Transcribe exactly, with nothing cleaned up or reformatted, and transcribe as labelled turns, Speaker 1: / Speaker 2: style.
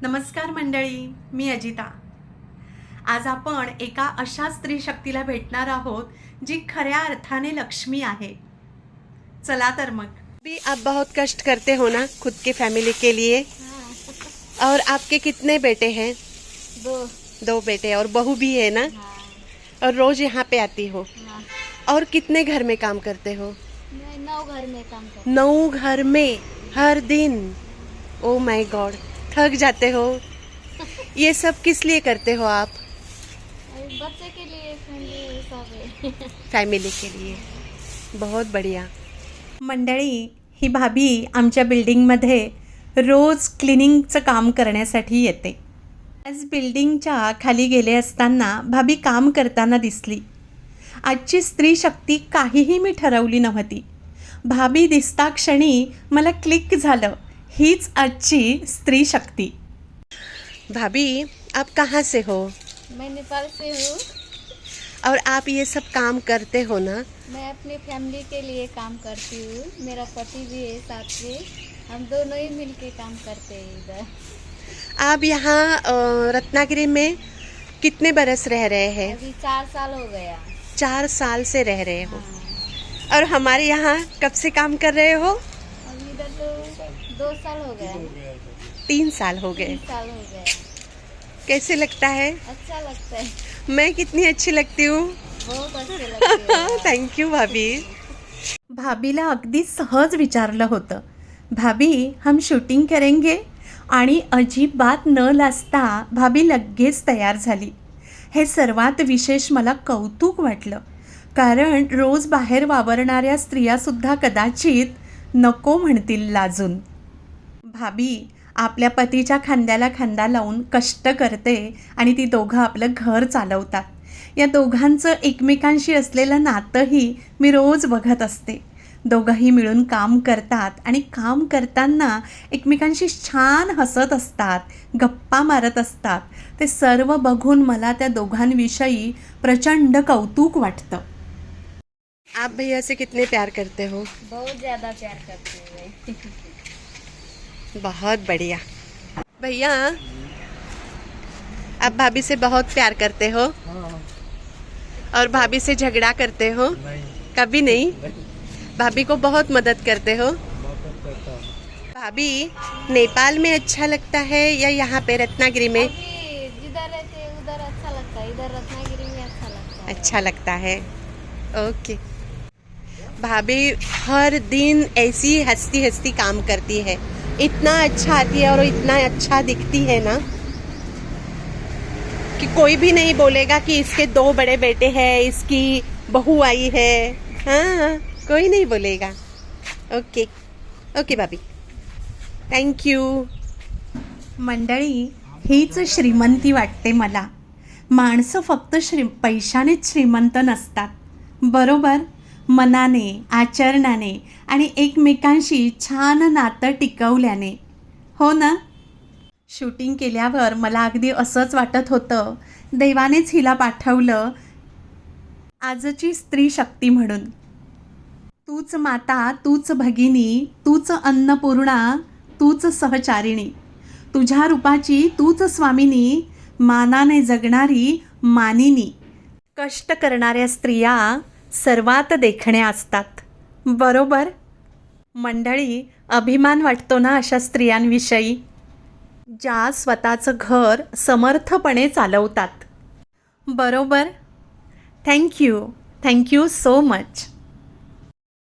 Speaker 1: नमस्कार मंडळी, मी अजिता। आज आपण एका अशा स्त्री शक्तीला भेटणार आहोत जी खऱ्या अर्थाने लक्ष्मी आहे। चला तर मग।
Speaker 2: भी आप बहुत कष्ट करते हो ना खुद की फैमिली के लिए।
Speaker 3: हाँ।
Speaker 2: और आपके कितने बेटे हैं?
Speaker 3: दो।
Speaker 2: दो बेटे और बहू भी है ना?
Speaker 3: हाँ।
Speaker 2: और रोज यहाँ पे आती हो?
Speaker 3: हाँ।
Speaker 2: और कितने घर में काम करते हो?
Speaker 3: मैं नौ घर में काम करती
Speaker 2: नौ घर में हर दिन? ओ माय गॉड, थक जाते हो। ये सब किस लिए करते हो आप?
Speaker 3: हूँ। और बच्चे के लिए फैमिली सब है।
Speaker 2: फैमिली के लिए। बहुत बढ़िया।
Speaker 1: मंडळी, ही भाभी आमच्या बिल्डिंगमध्ये रोज क्लिनिंगचं काम करण्यासाठी येते। आज बिल्डिंगच्या खाली गेले असताना भाभी काम करताना दिसली। आजची स्त्री शक्ती काहीही मी ठरवली नव्हती। भाभी दिसता क्षणी मला क्लिक झालं, हीच आजची स्त्री शक्ती।
Speaker 2: भाभी, आप कहाँ से हो?
Speaker 3: मैं नेपाल से हूँ।
Speaker 2: और आप ये सब काम करते हो ना?
Speaker 3: मैं अपनी फैमिली के लिए काम करती हूँ। मेरा पति भी है साथ में, हम दोनों ही मिलके काम करते हैं इधर।
Speaker 2: आप यहाँ अ, रत्नागिरी में कितने बरस रह रहे हैं?
Speaker 3: अभी चार साल हो गया।
Speaker 2: चार साल से रह रहे हो।
Speaker 3: हाँ।
Speaker 2: और हमारे यहाँ कब से काम कर रहे हो?
Speaker 3: अभी इधर तो दो साल हो गया।
Speaker 2: तीन साल हो गए।
Speaker 3: तीन साल हो गया।
Speaker 2: कैसे लगता है?
Speaker 3: अच्छा लगता है।
Speaker 2: मैं कितनी अच्छी लगती हूँ?
Speaker 3: बहुत अच्छे लगते हैं।
Speaker 2: थैंक यू भाभी।
Speaker 1: भाभीला अगदी सहज विचारलं होतं, भाभी हम शूटिंग करेंगे? आणि अजिबात न लाजता भाभी लगेच तयार झाली। हे सर्वात विशेष मला कौतुक वाटलं, कारण रोज बाहेर वावरणाऱ्या स्त्रियासुद्धा कदाचित नको म्हणतील लाजून। भाभी आपल्या पतीच्या खांद्याला खांदा लावून कष्ट करते आणि ती दोघं आपलं घर चालवतात। या दोघांचं एकमेकांशी असलेलं नातंही मी रोज बघत असते। दोघंही मिळून काम करतात आणि काम करताना एकमेकांशी छान हसत असतात, गप्पा मारत असतात। ते सर्व बघून मला त्या दोघांविषयी प्रचंड कौतुक वाटतं।
Speaker 2: आप भैया से कितने प्यार करते हो?
Speaker 3: बहुत ज्यादा प्यार करती हूँ मैं।
Speaker 2: बहुत बढ़िया। भैया, आप भाभी से बहुत प्यार करते हो? और भाभी से झगड़ा करते हो?
Speaker 4: नहीं।
Speaker 2: कभी नहीं। भाभी को बहुत मदद करते हो? भाभी, नेपाल में अच्छा लगता है या यहाँ पे रत्नागिरी में?
Speaker 3: अभी जिधर रहते हैं उधर अच्छा लगता है, इधर रत्नागिरी में अच्छा लगता है।
Speaker 2: अच्छा लगता है। ओके। भाभी हर दिन ऐसी हंसती हंसती काम करती है, इतना अच्छा आती है और इतना अच्छा दिखती है ना कि कोई भी नहीं बोलेगा कि इसके दो बड़े बेटे हैं, इसकी बहू आई है। हाँ, कोई नहीं बोलेगा। ओके ओके भाभी, थैंक यू।
Speaker 1: मंडळी, हीच श्रीमंती वाटते मला। माणसं फक्त श्री पैशानेच श्रीमंत नसतात, बरोबर? मनाने, आचरणाने आणि एकमेकांशी छान नातं टिकवल्याने, हो ना? शूटिंग केल्यावर मला अगदी असंच वाटत होतं, देवानेच हिला पाठवलं आजची स्त्री शक्ती म्हणून। तूच माता, तूच भगिनी, तूच अन्नपूर्णा, तूच सहचारिणी, तुझ्या रूपाची तूच स्वामिनी, मानाने जगणारी मानिनी। कष्ट करणाऱ्या स्त्रिया सर्वात देखण्या असतात, बरोबर? मंडळी, अभिमान वाटतो ना अशा स्त्रियांविषयी, ज्या स्वतःचं घर समर्थपणे चालवतात, बरोबर? Thank you thank you so much.